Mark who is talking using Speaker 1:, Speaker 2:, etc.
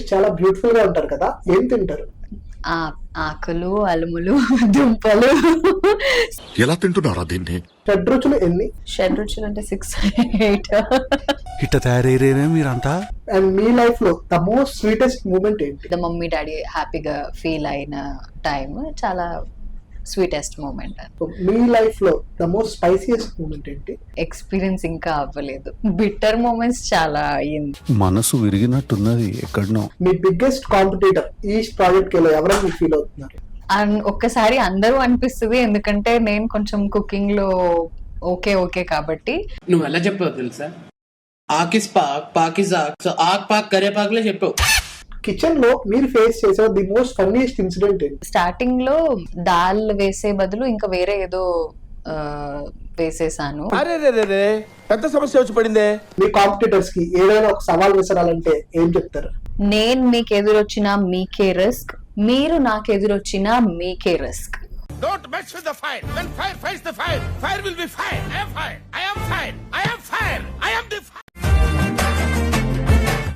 Speaker 1: చాలా బ్యూటిఫుల్ గా ఉంటారు కదా, ఏం తింటారు?
Speaker 2: ఆకులు, అలుములు, దుంపలు.
Speaker 3: ఎలా తింటున్నారా దీన్ని?
Speaker 1: షడ్రుచులు ఎన్ని?
Speaker 2: షడ్రుచులు అంటే 6, 8.
Speaker 4: ఇట్ట తయారయ్యేనే మీరంతా.
Speaker 1: అండ్ మీ లైఫ్ లో ద మోస్ట్ స్వీటెస్ట్ మూమెంట్ ఏంటి?
Speaker 2: మమ్మీ డాడీ హ్యాపీగా ఫీల్ అయిన టైం చాలా స్వీటెస్ట్ మూమెంట్.
Speaker 1: మీ లైఫ్ లో ద మోస్ట్ స్పైసియస్ట్ మూమెంట్ ఏంటి?
Speaker 2: ఎక్స్పీరియన్స్ ఇంకా అవ్వలేదు. బిట్టర్ మూమెంట్స్ చాలా అయ్యింది.
Speaker 4: మనసు విరిగినట్టున్నది ఎక్కడనో.
Speaker 1: మీ బిగ్గెస్ట్ కాంపిటీటర్ ఈ ప్రాజెక్ట్ కి ఎవరైనా మీరు ఫీల్ అవుతున్నారు?
Speaker 2: ఒక్కసారి అందరూ అనిపిస్తుంది, ఎందుకంటే నేను కొంచెం కుకింగ్ లో ఓకే కాబట్టి.
Speaker 5: నువ్వు ఎలా చెప్పావు తెలుసా? ఆకిస్ పాక్, పాకిజా, సో ఆక్ పాక్ కరేపాకులే చెప్పావు.
Speaker 1: కిచెన్ లో మీరు ఫేస్ చేసే ది మోస్ట్ ఫన్నీయెస్ట్ ఇన్సిడెంట్ ఏంటి?
Speaker 2: స్టార్టింగ్ లో దాల్ వేసే బదులు ఇంకా వేరే ఏదో వేసేసాను.
Speaker 6: పెద్ద సమస్య వచ్చి పడిందే.
Speaker 1: మీ కాంపిటీటర్స్ కి ఏదైనా ఒక సవాల్ విసరాలంటే ఏం చెప్తారు?
Speaker 2: నేను మీకు ఎదురొచ్చినా మీకే రిస్క్, మీరు నాకు ఎదురొచ్చినా మీకే risk.
Speaker 6: Don't mess with the fire. When fire fights the fire, fire will be fire. I am fire. I am fire.